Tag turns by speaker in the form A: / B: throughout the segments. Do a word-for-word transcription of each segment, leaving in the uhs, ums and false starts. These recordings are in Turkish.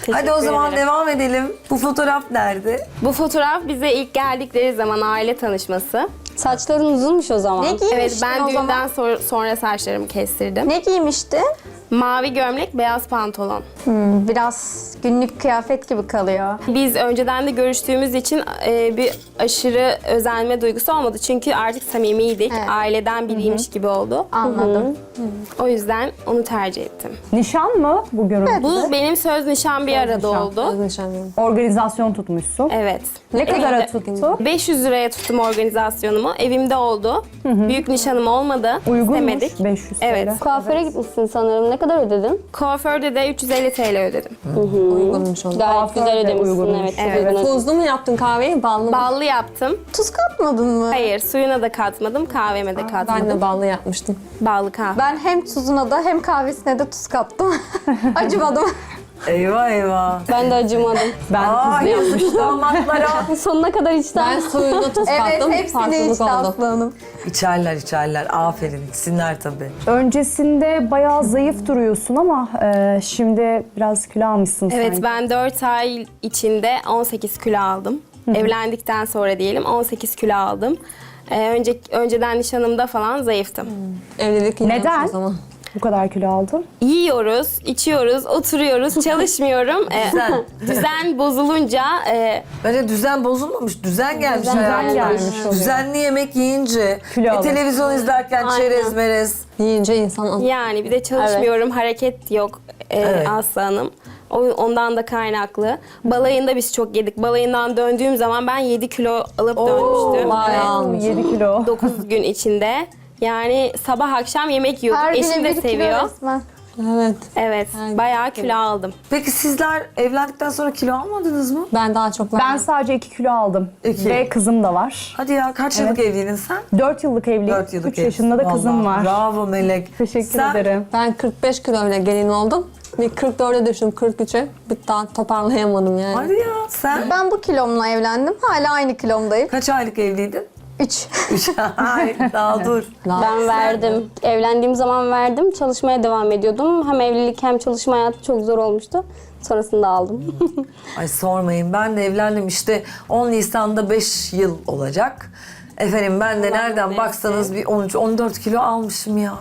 A: Hadi o zaman
B: ederim.
A: devam edelim. Bu fotoğraf nerede?
B: Bu fotoğraf bize ilk geldikleri zaman aile tanışması.
C: Saçların uzunmuş o zaman.
D: Ne giymiştin
B: Evet, ben
D: o
B: düğünden
D: zaman?
B: sor- sonra saçlarımı kestirdim.
D: Ne giymiştin?
B: Mavi gömlek, beyaz pantolon.
D: Hmm, biraz günlük kıyafet gibi kalıyor.
B: Biz önceden de görüştüğümüz için e, bir aşırı özenme duygusu olmadı. Çünkü artık samimiydik.
D: Evet.
B: Aileden biriymiş gibi oldu.
D: Anladım.
B: O yüzden onu tercih ettim.
E: Nişan mı bu görüntü?
B: Bu benim söz nişan bir arada
E: nişan.
B: oldu.
E: Organizasyon tutmuşsun.
B: Evet.
E: Ne kadara
B: Evimde-
E: tuttu?
B: beş yüz liraya tuttum organizasyonumu. Evimde oldu. Büyük nişanım olmadı.
E: Uygunmuş.
B: İstemedik.
E: beş yüz
B: Evet.
E: TL.
C: Kuaföre gitmişsin sanırım. Ne kadar ödedin?
B: Kuaförde de üç yüz elli TL ödedim.
F: Uygunmuş o.
C: Gayet
E: Kuaför
C: güzel
E: de
C: ödemişsin.
E: uygunmuş.
C: Evet. çok
B: Evet.
C: uygun ödedin.
F: Tuzlu mu yaptın kahveyi, ballı mı?
B: Ballı yaptım.
D: Tuz katmadın mı?
B: Hayır, suyuna da katmadım, kahveme de katmadım.
F: Ben de ballı yapmıştım.
B: Ballı kahve.
D: Ben hem tuzuna da hem kahvesine de tuz kattım. Acımadım.
A: Eyvah eyvah.
C: Ben de acımadım.
E: Ben
A: Aa yazık damatlara.
C: Sonuna kadar içten.
F: Ben suyuna tuz
D: Evet,
F: kattım,
D: hepsini
F: farklılık
D: içti
F: oldu.
D: Aslı Hanım.
A: İçerler içerler. Aferin. Sinler tabii.
E: öncesinde bayağı zayıf duruyorsun ama e, şimdi biraz kilo almışsın
B: Evet,
E: sanki.
B: ben dört ay içinde on sekiz kilo aldım. Evlendikten sonra diyelim on sekiz kilo aldım. Ee, önce, önceden nişanımda falan zayıftım.
F: Evlilik iyi
E: Neden?
F: olmuş o zaman.
E: Bu kadar kilo aldın.
B: Yiyoruz, içiyoruz, oturuyoruz, çalışmıyorum. Ee,
A: Düzen.
B: düzen bozulunca e,
A: Bence düzen bozulmamış. Düzen gelmiş
E: Düzen
A: hayatına.
E: gelmiş oluyor.
A: Düzenli yemek yiyince,
E: Kilo
A: e,
E: alır.
A: televizyon izlerken
B: Aynen.
A: çerez merez.
F: Yiyince insan al-
B: yani bir de çalışmıyorum, hareket yok e,
A: Evet.
B: Aslı Hanım. O, ondan da kaynaklı. Balayında biz çok yedik. Balayından döndüğüm zaman ben yedi kilo alıp dönmüştüm.
F: bayağı almış.
E: yedi kilo.
B: dokuz gün içinde. Yani sabah akşam yemek yiyorduk.
D: Her
B: Eşim
D: güne
B: de
D: bir kilo
B: seviyor.
D: resmen.
F: Evet.
B: Evet, bayağı kilo aldım.
A: Peki sizler evlendikten sonra kilo almadınız mı?
F: Ben daha çok
E: Ben
F: verdim.
E: sadece iki kilo aldım.
A: İki.
E: Ve kızım da var.
A: Hadi ya kaç yıllık evliydin sen?
E: dört yıllık evliyim.
A: Dört yıllık
E: üç yaşında da
A: evlisin.
E: kızım
A: Vallahi
E: var.
A: Bravo Melek.
E: Teşekkür
A: Sen-
E: ederim.
F: Ben kırk beş kiloyla gelin oldum. Bir kırk dörde düştüm, kırk üçe. Bir daha toparlayamadım yani.
A: Hadi ya sen
D: Ben bu kilomla evlendim. Hala aynı kilomdayım.
A: kaç aylık evliydin?
D: Üç.
A: Üç. Ay, daha dur.
C: Ben verdim. Evlendiğim zaman verdim. Çalışmaya devam ediyordum. Hem evlilik hem çalışma hayatı çok zor olmuştu. Sonrasında aldım.
A: Ay sormayın ben de evlendim işte on Nisan'da beş yıl olacak. Efendim ben de nereden
B: neyse.
A: baksanız bir on üç on dört kilo almışım ya.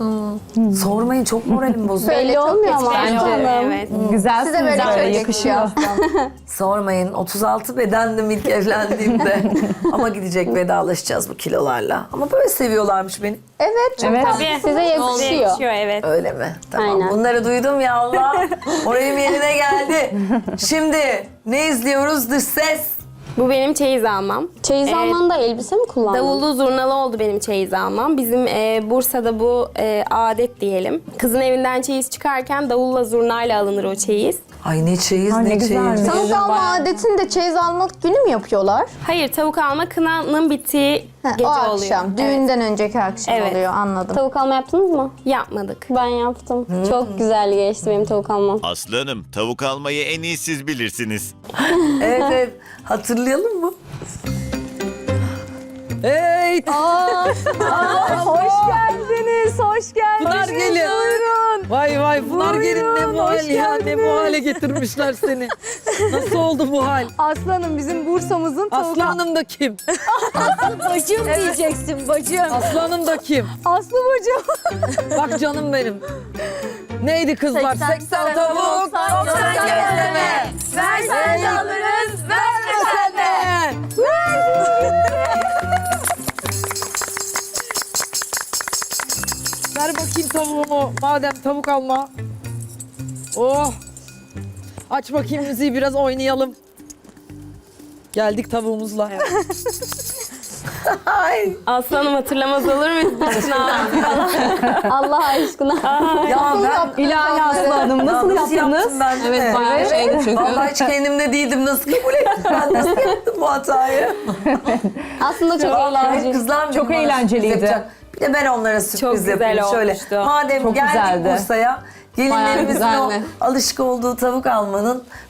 A: Sormayın çok moralim bozuldu.
D: Böyle
C: Belli
D: çok
C: olmuyor ama.
D: geçmiş.
C: Aslı Hanım.
B: Evet.
E: Güzelsiniz
D: Size böyle
E: böyle,
D: çok
E: yakışıyor.
D: yakışıyor.
A: Sormayın otuz altı bedendim ilk evlendiğimde. Ama gidecek vedalaşacağız bu kilolarla. Ama böyle seviyorlarmış beni.
D: Evet, çok
E: Evet.
D: tatlı.
B: Tabii.
C: Size yakışıyor.
B: Yakışıyor, evet.
A: Öyle mi? Tamam.
C: Aynen.
A: Bunları duydum ya Allah. Moralim yerine geldi. Şimdi ne izliyoruz? Dış ses.
B: Bu benim çeyiz almam.
C: Çeyiz
B: Evet.
C: almanda elbise mi kullandın?
B: Davullu zurnalı oldu benim çeyiz almam. Bizim e, Bursa'da bu e, adet diyelim. Kızın evinden çeyiz çıkarken davulla zurnayla alınır o çeyiz.
A: Ay ne çeyiz
E: Ay,
A: ne,
E: ne güzelmiş.
A: çeyiz.
D: Tavuk alma adetinde çeyiz almak günü mü yapıyorlar?
B: Hayır, tavuk alma kınanın bittiği
D: Ha,
B: gece
D: o
B: oluyor.
D: akşam,
B: Evet.
D: düğünden önceki akşam
B: Evet.
D: oluyor anladım.
C: Tavuk alma yaptınız mı?
B: Yapmadık.
C: Ben yaptım. Çok güzel geçti benim tavuk almam.
G: Aslı Hanım, tavuk almayı en iyi siz bilirsiniz.
A: Evet evet. Hatırlayalım mı? Hey!
E: Hoş geldiniz, hoş geldiniz.
H: Pınar gelin.
E: Buyurun.
H: Vay vay Pınar gelin ne bu hal
E: hoş
H: ya ne bu
E: geldiniz.
H: hale getirmişler seni. Nasıl oldu bu hal?
E: Aslanım bizim Bursa'mızın tavuk
H: Aslı Hanım da kim?
E: bacım diyeceksin bacım.
H: Aslı Hanım da kim?
E: Aslı bacım.
H: Bak canım benim. Neydi kızlar? seksen tavuk, doksan gözleme.
E: Versen de alırız, vermesen de.
H: Ver bakayım tavuğumu madem tavuk alma. Oh. Aç bakayım müziği biraz oynayalım. Geldik tavuğumuzla.
A: Ay.
B: Aslanım hatırlamaz olur muyuz?
C: Allah aşkına.
A: Ya ben
E: İlahi Aslı Hanım
A: Ya
E: nasıl yaptınız?
A: yaptım ben de?
F: Evet, bayağı şeydi çünkü.
A: Vallahi hiç kendimde değildim. Nasıl kabul ettim ben? Nasıl yaptım bu hatayı?
C: Aslında çok
A: Vallahi
C: eğlenceli.
A: kızlar
E: Çok
A: bana
E: eğlenceliydi.
A: sürpriz yapacak. Bir de ben onlara sürpriz
B: Çok güzel
A: yapayım şöyle.
B: olmuştu.
A: Madem
E: Çok
A: geldik
E: güzeldi.
A: Bursa'ya
F: Bayağı
A: gelinlerimizin o
F: güzeldi.
A: alışık olduğu tavuk almanın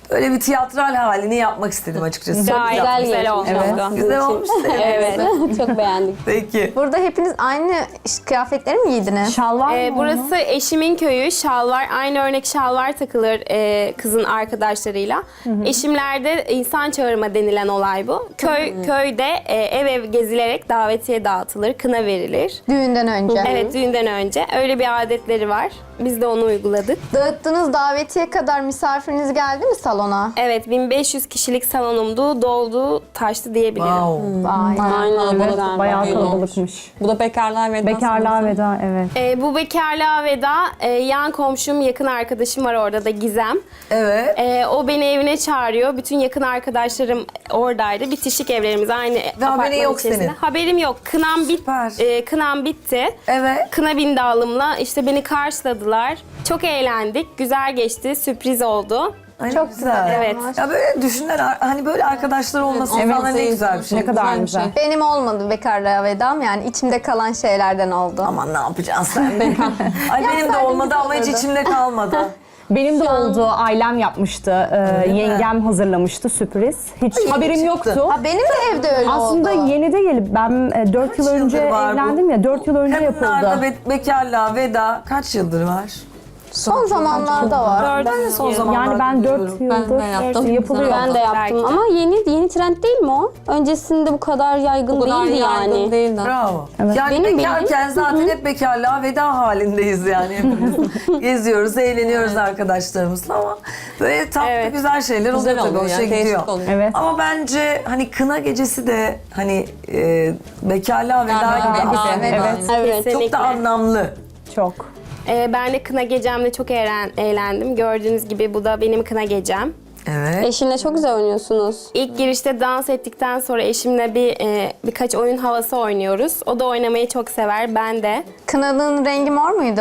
A: Öyle bir tiyatral halini yapmak istedim açıkçası. Çok
B: Gayet
A: güzel.
B: güzel,
C: geçmiş.
B: olmuştu.
C: Evet.
A: Güzel olmuş.
B: Evet.
C: Çok beğendik.
A: Peki.
D: Burada hepiniz aynı iş- kıyafetleri mi giydiniz?
E: Şalvar mı
B: Ee,
E: onun?
B: burası eşimin köyü. Şalvar, aynı örnek şalvar takılır e, kızın arkadaşlarıyla. Eşimlerde insan çağırma denilen olay bu. Köy köyde e, ev ev gezilerek davetiye dağıtılır, kına verilir.
D: Düğünden önce.
B: Evet, düğünden önce öyle bir adetleri var. Biz de onu uyguladık.
D: Dağıttığınız davetiye kadar misafiriniz geldi mi salona?
B: Evet, bin beş yüz kişilik salonumdu, doldu, taştı diyebilirim.
A: Wow.
D: Vay.
C: Aynen
F: kalabalık.
C: öyle.
E: Bayağı
F: Düğün olmuş.
E: kalabalıkmış.
F: Bu da bekarlığa veda.
E: Bekarlığa
F: sanırım.
E: veda, evet.
B: Ee, bu bekarlığa veda, e, yan komşum, yakın arkadaşım var orada da, Gizem.
A: Evet.
B: Ee, o beni evine çağırıyor. Bütün yakın arkadaşlarım oradaydı. Bitişik evlerimiz aynı apartman
A: haberin yok
B: içerisinde.
A: senin.
B: Haberim yok. Kınam, bit,
A: Süper.
B: e, kınam bitti.
A: Evet.
B: Kına bindallımla işte beni karşıladılar. Çok eğlendik. Güzel geçti. Sürpriz oldu.
A: Ay,
D: Çok
A: güzel.
D: güzel.
B: Evet.
A: Ya böyle düşünler hani böyle arkadaşlar olması
F: Evet,
A: falan ne
F: evet.
A: güzel bir şey.
E: Ne kadar
F: bir
E: güzel.
F: şey.
D: Benim olmadı bekarlığa vedam, yani içimde kalan şeylerden oldu.
A: Aman ne yapacaksın sen? Ay benim de
D: Yapsaydım
A: olmadı
D: güzel
A: ama hiç
D: olurdu.
A: içimde kalmadı.
E: Benim de oldu. Ailem yapmıştı. Ee,
A: mi?
E: yengem hazırlamıştı sürpriz. Hiç haberim
A: çıktı.
E: yoktu.
D: Ha, benim de evde öyle
E: Aslında
D: oldu.
E: yeni değil. Ben e, dört yıl
A: yıldır
E: önce
A: var bu?
E: evlendim ya. dört yıl önce
A: Kadınlarda
E: yapıldı.
A: be- bekarlığa veda kaç yıldır var?
D: Son zamanlarda var.
A: Ben de son zamanlarda
E: Yani ben dört
A: duyuyorum.
E: yıldır
F: Ben de yaptım.
E: yapılıyor.
C: Ben de yaptım
B: Belki de.
C: ama yeni yeni trend değil mi o? Öncesinde bu kadar yaygın
F: Bu kadar
C: değildi
F: yaygın
C: yani.
F: değildi.
A: Bravo. Yani
C: Benim
A: bekarken
C: bildiğim-
A: zaten hep bekarlığa veda halindeyiz yani hepimiz. Geziyoruz, eğleniyoruz arkadaşlarımızla ama böyle tatlı
B: Evet.
A: güzel şeyler oluyor
F: Güzel
A: tabii,
F: oluyor
A: hoşa
F: ya, değişik
A: gidiyor.
F: oluyor.
E: Evet.
A: Ama bence hani kına gecesi de hani e, bekarlığa veda
F: Bekarlığa
A: gibi.
F: veda,
A: Evet.
F: evet.
C: Evet.
A: Çok
B: Kesinlikle.
A: da anlamlı.
E: Çok.
B: Ee, ben de kına gecemde çok eğlen, eğlendim. Gördüğünüz gibi bu da benim kına gecem.
A: Evet.
C: Eşinle çok güzel oynuyorsunuz.
B: İlk girişte dans ettikten sonra eşimle bir e, birkaç oyun havası oynuyoruz. O da oynamayı çok sever, ben de.
D: Kınanın rengi mor muydu?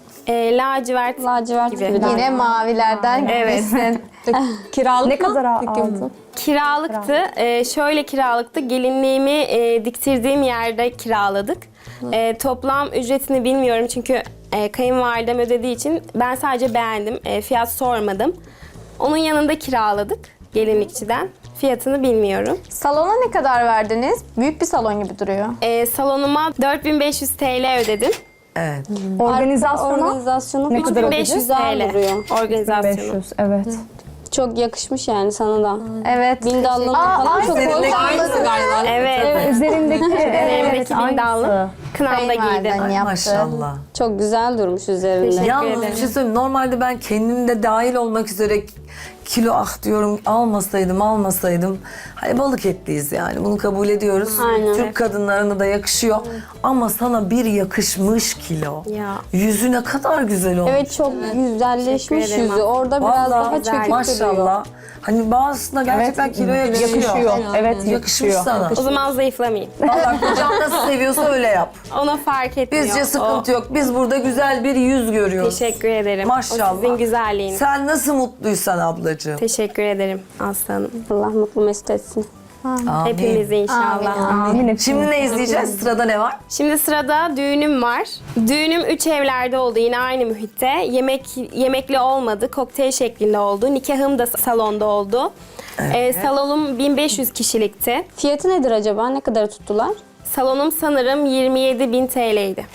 B: E, lacivert
C: Lacivert
B: gibi.
C: gibi.
D: Yine mavilerden
B: Evet.
D: gitmişsin.
F: Kiralık
E: Ne
F: mı?
E: kadar
F: Peki,
E: aldın?
B: Kiralıktı. E, şöyle kiralıktı. Gelinliğimi e, diktirdiğim yerde kiraladık. E, toplam ücretini bilmiyorum çünkü e, kayınvalidem ödediği için ben sadece beğendim. E, fiyat sormadım. Onun yanında kiraladık gelinlikçiden. Fiyatını bilmiyorum.
D: Salona ne kadar verdiniz? Büyük bir salon gibi duruyor.
B: E, salonuma dört bin beş yüz T L ödedim.
A: Evet.
E: Organizasyona
C: Organizasyonu
E: Ne kadar
C: çok
B: beş yüz
C: güzel
B: T L
C: duruyor.
B: organizasyonu.
E: beş yüz, evet.
C: Çok yakışmış yani sana da.
D: Evet.
C: Bindallığın
D: Aa,
C: falan
D: aynı
C: çok
A: seninle
C: hoş.
F: Aynısı galiba.
B: Evet.
E: Üzerindeki evet,
B: Üzerindeki bindallım.
E: aynısı.
B: Kınamda
D: Kayınvaliden
B: giydim.
D: yaptı.
A: Maşallah.
C: Çok güzel durmuş üzerinde.
B: Teşekkür
A: Yalnız
B: ederim.
A: bir şey söyleyeyim. Normalde ben kendim de dahil olmak üzere kilo ah diyorum almasaydım almasaydım. Hani balık etliyiz yani bunu kabul ediyoruz.
C: Aynen.
A: Türk kadınlarına da yakışıyor. Ama sana bir yakışmış kilo.
B: Ya.
A: Yüzü ne kadar güzel olmuş.
C: Evet çok güzelleşmiş
B: Teşekkür ederim.
C: yüzü. Orada biraz
A: Vallahi
C: daha
B: güzel.
C: çökük duruyor.
A: maşallah. Hani bazısına gerçekten kiloya yakışıyor.
E: Yakışıyor. Evet,
A: Yakışmış
E: yakışıyor.
A: sana.
B: O zaman zayıflamayayım.
A: Vallahi kocan nasıl seviyorsa öyle yap.
B: Ona fark etmiyor.
A: Bizce sıkıntı
B: O-
A: yok. Biz burada güzel bir yüz görüyoruz.
B: Teşekkür ederim.
A: Maşallah.
B: O sizin güzelliğiniz.
A: Sen nasıl mutluysan ablacığım.
B: Teşekkür ederim Aslanım.
C: Allah mutlu mesut etsin.
A: Amin.
B: Hepimizi inşallah.
E: Amin.
A: Şimdi ne izleyeceğiz? Sırada ne var?
B: Şimdi sırada düğünüm var. Düğünüm üç evlerde oldu yine aynı mühitte. Yemek yemekli olmadı, kokteyl şeklinde oldu. Nikahım da salonda oldu. Ee, salonum bin beş yüz kişilikti.
C: Fiyatı nedir acaba? Ne kadar tuttular?
B: Salonum sanırım yirmi yedi bin T L'ydi.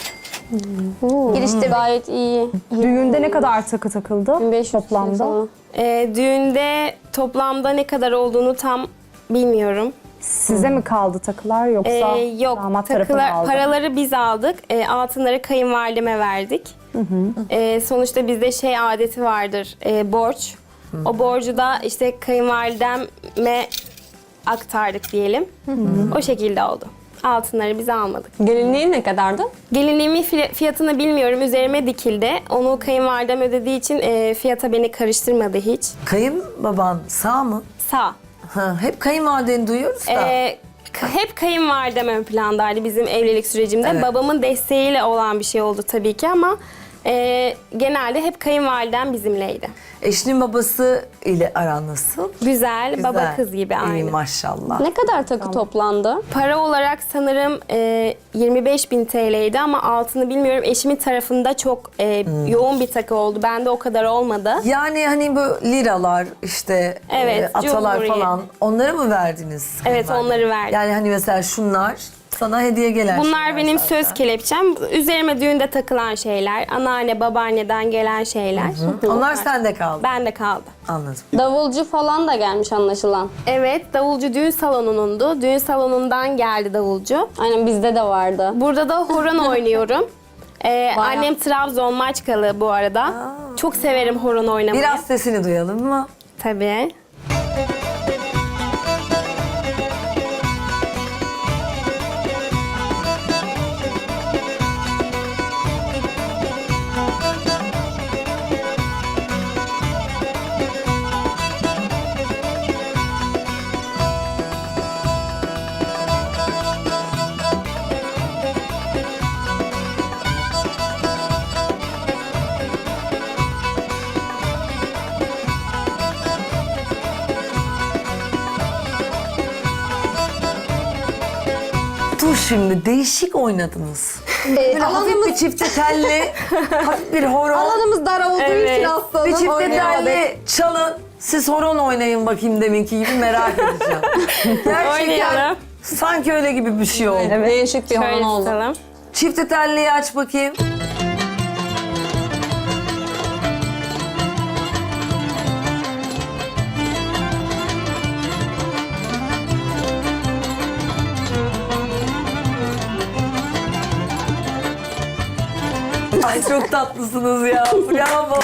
C: Girişte gayet iyi.
E: Düğünde ne kadar takı takıldı
C: bin beş yüz
E: toplamda?
C: falan.
B: Ee, düğünde toplamda ne kadar olduğunu tam bilmiyorum.
E: Size mi kaldı takılar yoksa
B: Ee, yok,
E: damat tarafı mı
B: takılar,
E: aldı?
B: paraları biz aldık. Ee, altınları kayınvalideme verdik. Ee, sonuçta bizde şey adeti vardır, e, borç. O borcu da işte kayınvalideme aktardık diyelim. O şekilde oldu. Altınları biz almadık.
F: Gelinliğin ne kadardı?
B: Gelinliğimin fi- fiyatını bilmiyorum. Üzerime dikildi. Onu kayınvalidem ödediği için e, fiyata beni karıştırmadı hiç.
A: Kayınbaban sağ mı?
B: Sağ.
A: Ha, hep kayınvalideni duyuyoruz da.
B: Ee, k- hep kayınvalidem ön plandaydı bizim evlilik sürecimde.
A: Evet.
B: Babamın desteğiyle olan bir şey oldu tabii ki ama e, genelde hep kayınvalidem bizimleydi.
A: Eşinin babası ile aran nasıl?
B: Güzel,
A: Güzel.
B: baba kız gibi
A: İyi
B: aynı.
A: maşallah.
C: Ne kadar takı toplandı?
B: Para olarak sanırım e, yirmi beş bin T L'ydi ama altını bilmiyorum. Eşimin tarafında çok e,
A: Hmm.
B: yoğun bir takı oldu. Bende o kadar olmadı.
A: Yani hani bu liralar işte
B: Evet,
A: e, atalar
B: cumhuriyet.
A: falan onları mı verdiniz?
B: Evet,
A: kızlar?
B: onları verdim.
A: Yani hani mesela şunlar sana hediye gelen
B: Bunlar
A: şeyler
B: benim
A: zaten.
B: söz kelepçem. Üzerime düğünde takılan şeyler. Anneanne, babaanneden gelen şeyler.
A: Onlar sende kaldı.
B: Bende kaldı.
A: Anladım.
C: Davulcu falan da gelmiş anlaşılan.
B: Evet, davulcu düğün salonunundu. Düğün salonundan geldi davulcu.
C: Aynen bizde de vardı.
B: Burada da horon oynuyorum. Ee, annem Trabzon Maçkalı bu arada. Çok severim horon oynamayı.
A: Biraz sesini duyalım mı?
B: Tabii.
A: Dur şimdi değişik oynadınız.
D: Ee,
A: Böyle hafif bir
D: alanımız,
A: çifte telli, hafif bir horon,
D: alanımız dar olduğu
B: Evet.
D: için aslında
A: bir çifte
D: oynayamadık.
A: telli çalın. Siz horon oynayın bakayım deminki gibi merak edeceğim. Gerçekten
B: Oynayalım.
A: sanki öyle gibi bir şey oldu.
F: Değişik bir
B: Şöyle
F: horon oldu.
B: tutalım.
A: Çifte telliyi aç bakayım. Ay çok tatlısınız ya. Bravo.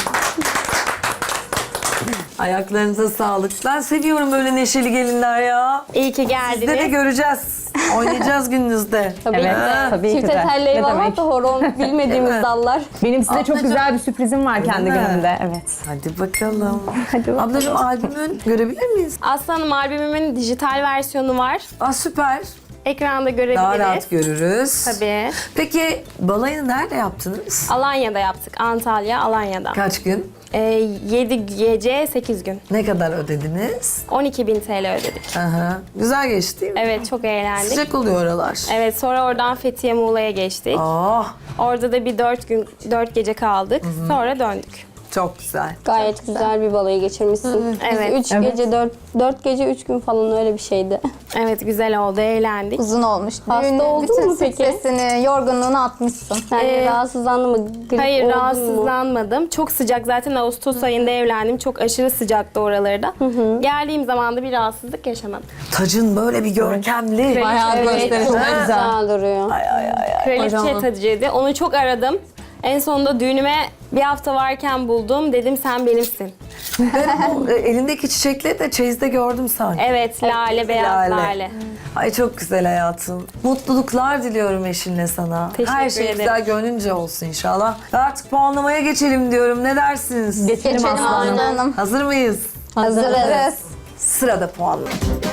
A: Ayaklarınıza sağlık. Ben seviyorum böyle neşeli gelinler ya.
B: İyi ki
A: Sizde de
B: geldiniz.
A: göreceğiz. Oynayacağız gününüzde.
C: Tabii
E: Evet,
C: ki de.
E: tabii ki
C: Çifte
E: de.
C: telli
E: Ne
C: eyvallah
E: demek?
C: da horon bilmediğimiz dallar.
E: Benim size çok
A: Ablacığım.
E: güzel bir sürprizim var kendi
A: mi?
E: günümde. Evet.
A: Hadi bakalım.
E: Hadi bakalım.
A: Ablacığım albümün görebilir miyiz?
B: Aslanım albümümün dijital versiyonu var.
A: Aa süper.
B: Ekranda görebiliriz.
A: Daha rahat görürüz.
B: Tabii.
A: Peki balayını nerede yaptınız?
B: Alanya'da yaptık. Antalya, Alanya'da.
A: Kaç gün?
B: Ee, yedi gece, sekiz gün.
A: Ne kadar ödediniz?
B: on iki bin T L ödedik.
A: Aha. Güzel geçti değil mi?
B: Evet, çok eğlendik.
A: Sıcak oluyor oralar.
B: Evet, sonra oradan Fethiye Muğla'ya geçtik.
A: Oh,
B: Orada da bir dört gün, dört gece kaldık. Sonra döndük.
A: çok güzel.
C: Gayet güzel bir balayı geçirmişsin.
B: Evet.
C: Biz üç gece, dört, dört gece, üç gün falan öyle bir şeydi.
B: Evet, güzel oldu, eğlendik.
D: Uzun olmuş.
C: Hasta
D: Düğünün
C: oldun
D: bütün
C: mu peki?
D: stresini, yorgunluğunu atmışsın.
C: Yani
B: Ee,
C: rahatsızlandın mı? Grip
B: Hayır,
C: oldun mu?
B: rahatsızlanmadım. Çok sıcak. Zaten Ağustos ayında evlendim. Çok aşırı sıcaktı oralarda. Geldiğim zaman da bir rahatsızlık yaşamadım.
A: Tacın böyle bir görkemli.
F: Bayağı
C: Evet,
F: gösterişli.
C: çok güzel duruyor.
B: Kraliçe
F: Kocaman.
B: tacıydı. Onu çok aradım. En sonunda düğünüme bir hafta varken buldum. Dedim sen benimsin.
A: O, e, elindeki çiçekleri de çeyizde gördüm sanki.
B: Evet, lale, beyaz lale.
A: Ay çok güzel hayatım. Mutluluklar diliyorum eşinle sana.
B: Teşekkür
A: Her şey
B: ederim.
A: güzel gönlünce olsun inşallah. Artık puanlamaya geçelim diyorum. Ne dersiniz?
E: Geçelim
D: Geçelim
E: aslanım.
D: Aslı Hanım.
A: Hazır mıyız?
D: Hazırız.
A: Sırada puanlama.